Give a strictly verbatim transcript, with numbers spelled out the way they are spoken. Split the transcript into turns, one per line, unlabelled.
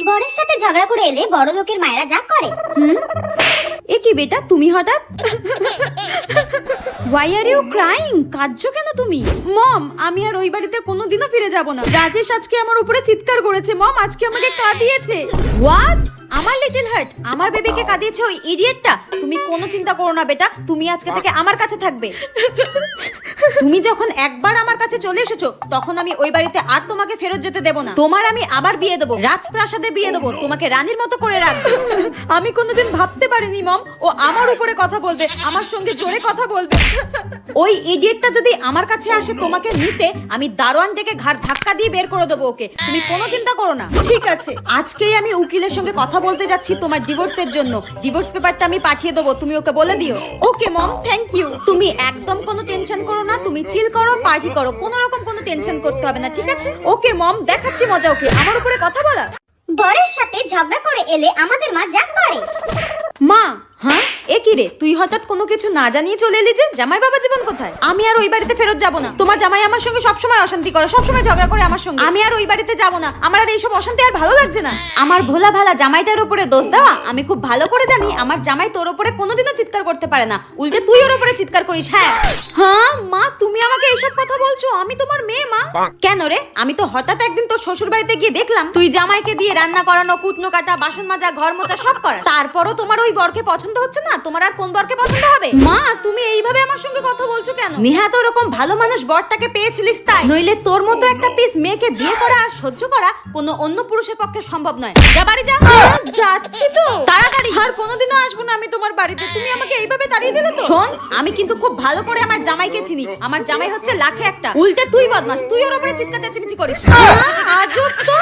বরের সাথে ঝগড়া করে এলে বড় লোকের মায়েরা যা করে।
হুম এ কি বেটা তুমি হঠাৎ Why are you crying? কাঁদছো কেন তুমি? মম আমি আর ওই বাড়িতে কোনোদিনও ফিরে যাব না। রাজেশ আজকে আমার উপরে চিৎকার করেছে। মম আজকে আমাকে কাঁদিয়েছে। হোয়াট? আমার লিটল হার্ট আমার বেবিকে কাঁদিয়েছে ওই ইডিয়েটটা। তুমি কোনো চিন্তা করো না বেটা, তুমি আজকে থেকে আমার কাছে থাকবে। তুমি যখন একবার আমার কাছে চলে এসেছো তখন আমি ওই বাড়িতে আর তোমাকে ফেরত যেতে দেব না। তোমার আমি আবার বিয়ে দেবো, রাজপ্রাসাদে বিয়ে দেবো, তোমাকে রানীর মতো করে রাখবো। আমি কোনোদিন ভাবতে পারিনি মম ও আমার উপরে কথা বলবে, আমার সঙ্গে জোরে কথা বলবে। ওই ইডিয়েটটা যদি আমার কাছে আসে তোমাকে নিতে, আমি দারোয়ান থেকে ঘাড় ধাক্কা দিয়ে বের করে দেবো ওকে। তুমি কোনো চিন্তা করো না। ঠিক আছে, আজকেই আমি উকিলের সঙ্গে কথা বলতে যাচ্ছি তোমার ডিভোর্সের জন্য। ডিভোর্স পেপারটা আমি পাঠিয়ে দেবো, তুমি ওকে বলে দিও। Okay mom, thank you. তুমি একদম কোনো টেনশন করো না, তুমি চিল করো, পার্টি করো, কোনো রকম কোনো টেনশন করতে হবে না, ঠিক আছে? ওকে মম, দেখাচ্ছি মজা ওকে, আমার উপরে কথা বলা।
বরের সাথে ঝগড়া করে এলে আমাদের মা যা করে।
মা, হ্যাঁ এ কি রে, তুই হঠাৎ কোনো কিছু না জানিয়ে চলে এলি যে? জামাই বাবা জীবন কোথায়? আমি আর ওই বাড়িতে ফেরত যাব না। তোমার জামাই আমার সঙ্গে সবসময় অশান্তি করে, সবসময় ঝগড়া করে আমার সঙ্গে। আমি আর ওই বাড়িতে যাব না, আমার আর এইসব অশান্তি আর ভালো লাগছে না। আমার ভোলা ভালা জামাইটার উপরে দোষ দেওয়া আমি খুব ভালো করে জানি। আমার জামাই তোর উপরে কোনোদিনও চিৎকার করতে পারে না, উল্টে তুই ওর উপরে চিৎকার করিস। হ্যাঁ হ্যাঁ মা, তুমি আমাকে এইসব কথা বলছো? আমি তোমার মেয়ে মা। কেন রে? আমি তো হঠাৎ একদিন তোর শ্বশুর বাড়িতে গিয়ে দেখলাম তুই জামাইকে দিয়ে রান্না করানো, কুটনো কাটা, বাসন মাজা, ঘর মোছা সব করা। তারপরও তোমার ওই বরকে পছন্দ হচ্ছে না? তোমার আর কোন বরকে পছন্দ হবে? মা তুমি এইভাবে আমার সঙ্গে কথা বলছো কেন? নিহাত ওরকম ভালো মানুষ বরটাকে পেয়েছিলিস তাই, নইলে তোর মতো একটা পিস মেয়েকে বিয়ে করা আর সহ্য করা কোনো অন্য পুরুষের পক্ষে সম্ভব নয়। যা বাড়ি যা। যাচ্ছি তো, তাড়াতাড়ি। আর কোনোদিনও আসবো না আমি তোমার বাড়িতে। তুমি আমাকে এইভাবে তাড়িয়ে দিলে তো। শোন, আমি কিন্তু খুব ভালো করে আমার জামাইকে চিনি। আমার জামাই হচ্ছে লাখে একটা, উল্টে তুই বদমাস, তুই ওর উপরে চিৎকার চেঁচামেচি করিস। আজব তো।